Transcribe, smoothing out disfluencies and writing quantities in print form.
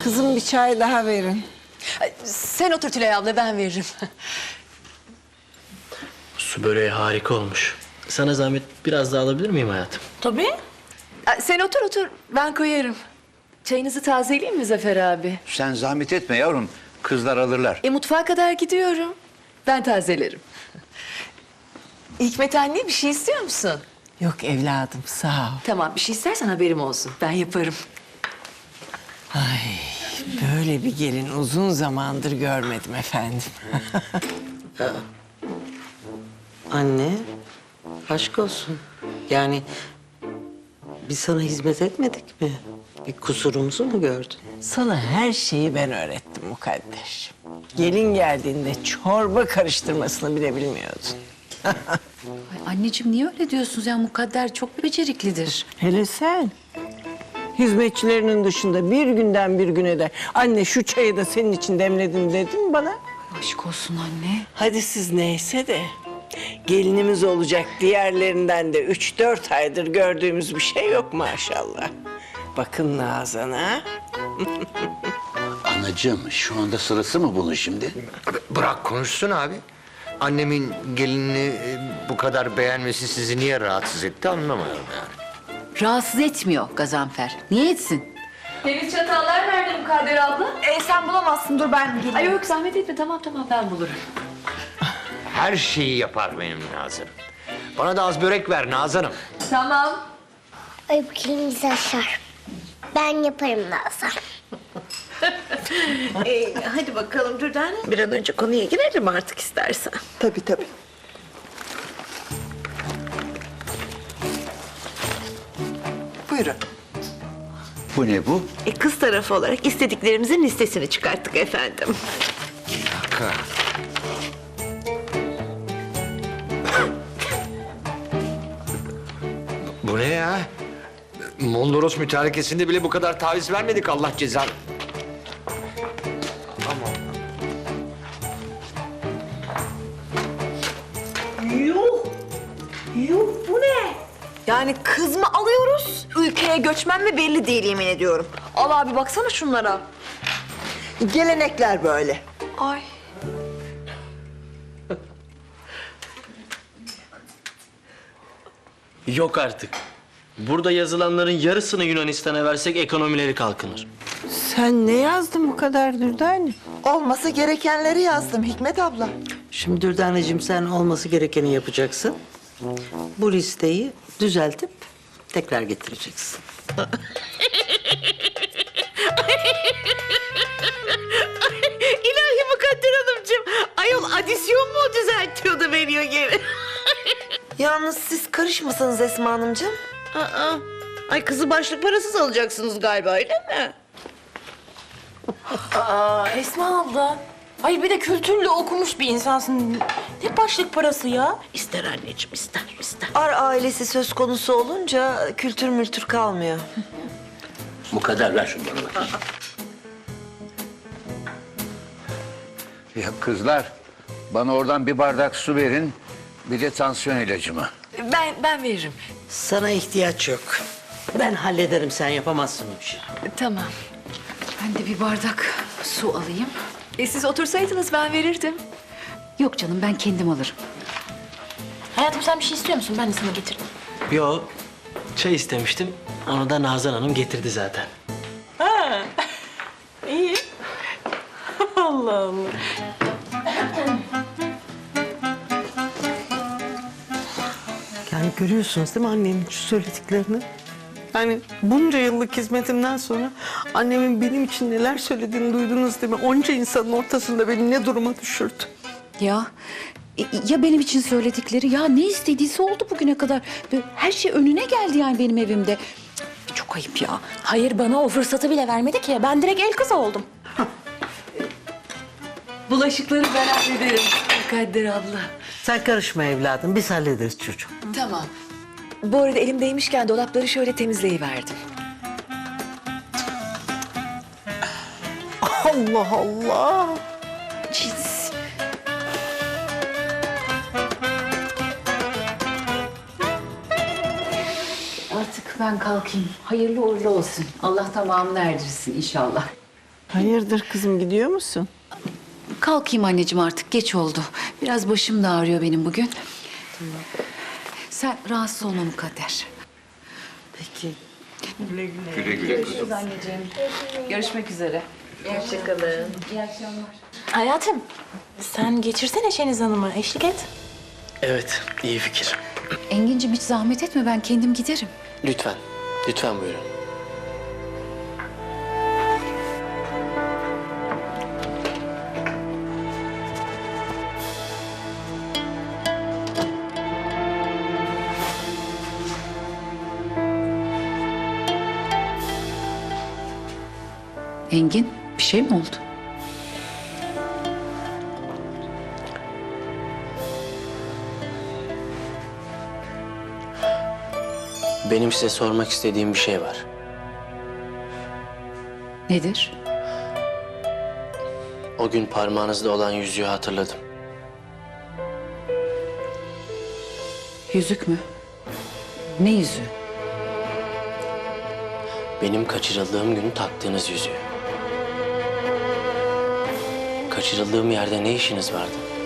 Kızım bir çay daha verin. Sen otur Tülay abla, ben veririm. Su böreği harika olmuş. Sana zahmet biraz daha alabilir miyim hayatım? Tabii. Sen otur otur, ben koyarım. Çayınızı tazeleyeyim mi Zafer abi? Sen zahmet etme yavrum. Kızlar alırlar. Mutfağa kadar gidiyorum. Ben tazelerim. Hikmet anne, bir şey istiyor musun? Yok evladım sağ ol. Tamam, bir şey istersen haberim olsun. Ben yaparım. Ay böyle bir gelin uzun zamandır görmedim efendim. Anne, aşk olsun. Yani biz sana hizmet etmedik mi? Bir kusurumuzu mu gördün? Sana her şeyi ben öğrettim Mukadder. Gelin geldiğinde çorba karıştırmasını bile bilmiyordun. Ay anneciğim niye öyle diyorsunuz ya? Mukadder çok beceriklidir. Hele sen. Hizmetçilerinin dışında bir günden bir güne de anne şu çayı da senin için demledim dedin bana. Aşk olsun anne. Hadi siz neyse de gelinimiz olacak diğerlerinden de 3-4 aydır gördüğümüz bir şey yok maşallah. Bakın Nazan'a. Anacığım şu anda sırası mı bunun şimdi? Bırak konuşsun abi. Annemin gelinini bu kadar beğenmesi sizi niye rahatsız etti anlamıyorum yani. Rahatsız etmiyor Gazanfer. Niye etsin? Temiz çatallar nerede Mukadder abla? Sen bulamazsın, dur ben geleyim. Ay yok, zahmet etme. Tamam ben bulurum. Her şeyi yapar benim Nazırım. Bana da az börek ver Nazırım. Tamam. Ay bu kelimiz aşar. Ben yaparım Nazan. Hadi bakalım Dürdane. Bir an önce konuya girelim artık istersen. Tabii tabii. Buyurun. Bu ne bu? Kız tarafı olarak istediklerimizin listesini çıkarttık efendim. Dakika. Bu ne ya? Mondros mütarekesinde bile bu kadar taviz vermedik Allah cezanı. Yuh bu ne? Yani kız mı alıyoruz? Ülkeye göçmen mi belli değil yemin ediyorum. Al abi baksana şunlara. Gelenekler böyle. Ay. Yok artık. Burada yazılanların yarısını Yunanistan'a versek ekonomileri kalkınır. Sen ne yazdın bu kadar Dürdane? Olması gerekenleri yazdım Hikmet abla. Şimdi Dürdaneciğim sen olması gerekeni yapacaksın. Bu listeyi düzeltip tekrar getireceksin. İlahi Mukadder Hanımcığım. Ayol adisyon mu düzeltiyor da veriyor geri? Yalnız siz karışmasanız Esma Hanımcığım. Ay kızı başlık parasız alacaksınız galiba öyle mi? Esma abla. Ay bir de kültürlü okumuş bir insansın. Ne başlık parası ya? İster anneciğim ister. Ar ailesi söz konusu olunca kültür mültür kalmıyor. Mukadder ver şunu bana bakayım. Ya kızlar bana oradan bir bardak su verin. Bir de tansiyon ilacımı. Ben veririm. Sana ihtiyaç yok. Ben hallederim sen yapamazsın bu işi. Tamam. Ben de bir bardak su alayım. Siz otursaydınız ben verirdim. Yok canım ben kendim alırım. Hayatım sen bir şey istiyor musun? Ben de sana getirdim. Yo, çay istemiştim. Onu da Nazan Hanım getirdi zaten. İyi. Allah Allah. Yani görüyorsunuz değil mi annenin şu söylediklerini? Yani bunca yıllık hizmetimden sonra annemin benim için neler söylediğini duydunuz değil mi? Onca insanın ortasında beni ne duruma düşürdü. Ya benim için söyledikleri ya ne istediyse oldu bugüne kadar. Böyle her şey önüne geldi yani benim evimde. Cık, çok ayıp ya. Hayır bana o fırsatı bile vermedi ki. Ben direkt el kızı oldum. Bulaşıkları ben hallederim Mukadder abla. Sen karışma evladım biz hallederiz çocuğum. Tamam. Bu arada elimdeymişken dolapları şöyle temizleyiverdim. Allah Allah. Cins. Artık ben kalkayım. Hayırlı uğurlu olsun. Allah tamamını erdirsin inşallah. Hayırdır kızım, gidiyor musun? Kalkayım anneciğim, artık geç oldu. Biraz başım da ağrıyor benim bugün. Sen rahatsız olma Mukadder. Peki. Görüşmek üzere. Hayatım, sen geçirsene Şeniz Hanım'a, eşlik et. Evet, iyi fikir. Engin'cim hiç zahmet etme, ben kendim giderim. Lütfen, lütfen buyurun. Engin, bir şey mi oldu? Benim size sormak istediğim bir şey var. Nedir? O gün parmağınızda olan yüzüğü hatırladım. Yüzük mü? Ne yüzüğü? Benim kaçırıldığım gün taktığınız yüzüğü. Kaçırıldığım yerde ne işiniz vardı?